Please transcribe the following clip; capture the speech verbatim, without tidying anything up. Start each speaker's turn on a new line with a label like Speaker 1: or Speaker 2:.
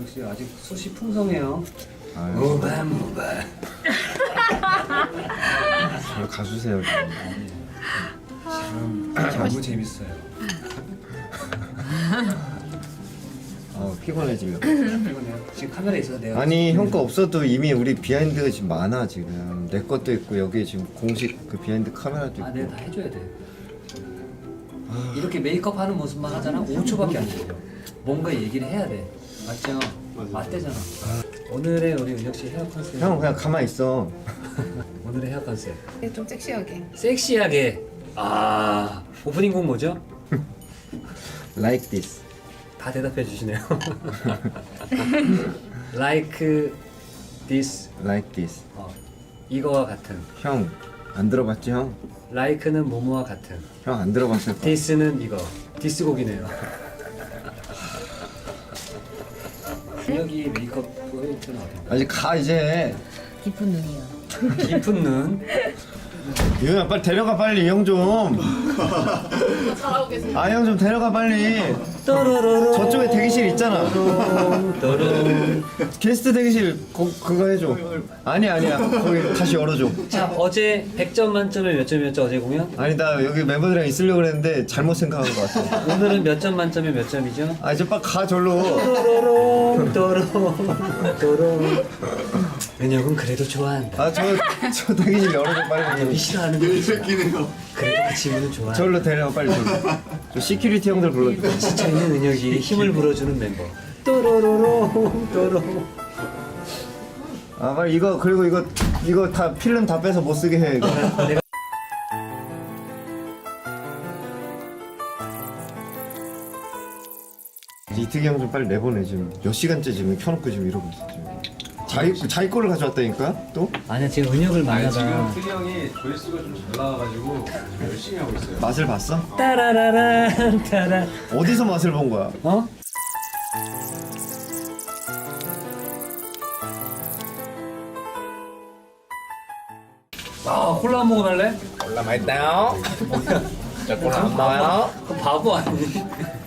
Speaker 1: 역시 아직 숱이 풍성해요.
Speaker 2: 아유,
Speaker 1: 모발 모발.
Speaker 2: 저 가주세요.
Speaker 1: 지금 너무 재밌어요.
Speaker 2: 어, 피곤해지려.
Speaker 1: 피곤해요. 지금 카메라 있어서 내가.
Speaker 2: 아니 형 거 없어도 이미 우리 비하인드가 지금 많아 지금. 내 것도 있고 여기 지금 공식 그 비하인드 카메라도 있고.
Speaker 1: 아, 내가 다 해줘야 돼. 이렇게 메이크업 하는 모습만 하잖아. 오 초밖에 안 걸려. 뭔가 얘기를 해야 돼. 맞죠? 맞대잖아. 오늘의 우리 은혁 씨 헤어 컨셉.
Speaker 2: 형 그냥 가만히 있어.
Speaker 1: 오늘의 헤어 컨셉.
Speaker 3: 네, 좀 섹시하게.
Speaker 1: 섹시하게. 아, 오프닝 곡 뭐죠?
Speaker 2: Like this.
Speaker 1: 다 대답해 주시네요. Like this.
Speaker 2: Like this.
Speaker 1: 어, 이거와 같은.
Speaker 2: 형 안 들어봤지 형?
Speaker 1: Like는 뭐뭐와 같은.
Speaker 2: 형 안 들어봤을 거야.
Speaker 1: This는 이거. 디스 곡이네요. 은혁이 메이크업 포인트는 어딘가?
Speaker 2: 아직 가 이제.
Speaker 3: 깊은 눈이요.
Speaker 1: 깊은 눈.
Speaker 2: 유현아 빨리 데려가 빨리 형 좀.
Speaker 3: 잘하고 계세요.
Speaker 2: 아 형 좀 데려가 빨리.
Speaker 1: 또로로로.
Speaker 2: 저쪽에 대기실 있잖아.
Speaker 1: 또롱.
Speaker 2: 게스트 대기실 거, 그거 해줘. 아니 아니야 거기 다시 열어줘.
Speaker 1: 자, 어제 백 점 만점에 몇 점이었죠, 어제 공연?
Speaker 2: 아니 나 여기 멤버들이랑 있으려고 그랬는데 잘못 생각한 것 같아.
Speaker 1: 오늘은 몇 점 만점에 몇 점이죠?
Speaker 2: 아 이제 빨리 가 절로.
Speaker 1: 또로롱 또롱 또롱. 은혁은 그래도 좋아한다.
Speaker 2: 아 저 저 대기실 열어줘 빨리.
Speaker 1: 은혁이 싫어하는 거 있어. 그래도 그 친구는 좋아한다.
Speaker 2: 절로 데려가 빨리 절로. 저 시큐리티 형들 불러줘.
Speaker 1: 지쳐 있는 은혁이 힘을 불어주는 멤버. 또로로롱 또롱.
Speaker 2: 아 빨리 이거 그리고 이거 이거 다 필름 다 빼서 못 쓰게 해 이거.
Speaker 1: 내가
Speaker 2: 이특이 형 좀 빨리 내보내 지금 몇 시간째 지금 켜놓고 지금 이러고 있어 지금. 자기 자기 거를 가져왔다니까 또
Speaker 1: 아니야 지금 은혁을
Speaker 4: 아니
Speaker 1: 만나다.
Speaker 4: 지금 트리 형이 조회수가 좀 잘 나와가지고 열심히 하고 있어요.
Speaker 2: 맛을 봤어?
Speaker 1: 따라라란 따라.
Speaker 2: 어디서 맛을 본 거야?
Speaker 1: 어? 아 콜라 한 모금 할래?
Speaker 4: 올라 맛있다요. 저 콜라 안 먹어요.
Speaker 1: 그 바보 아니?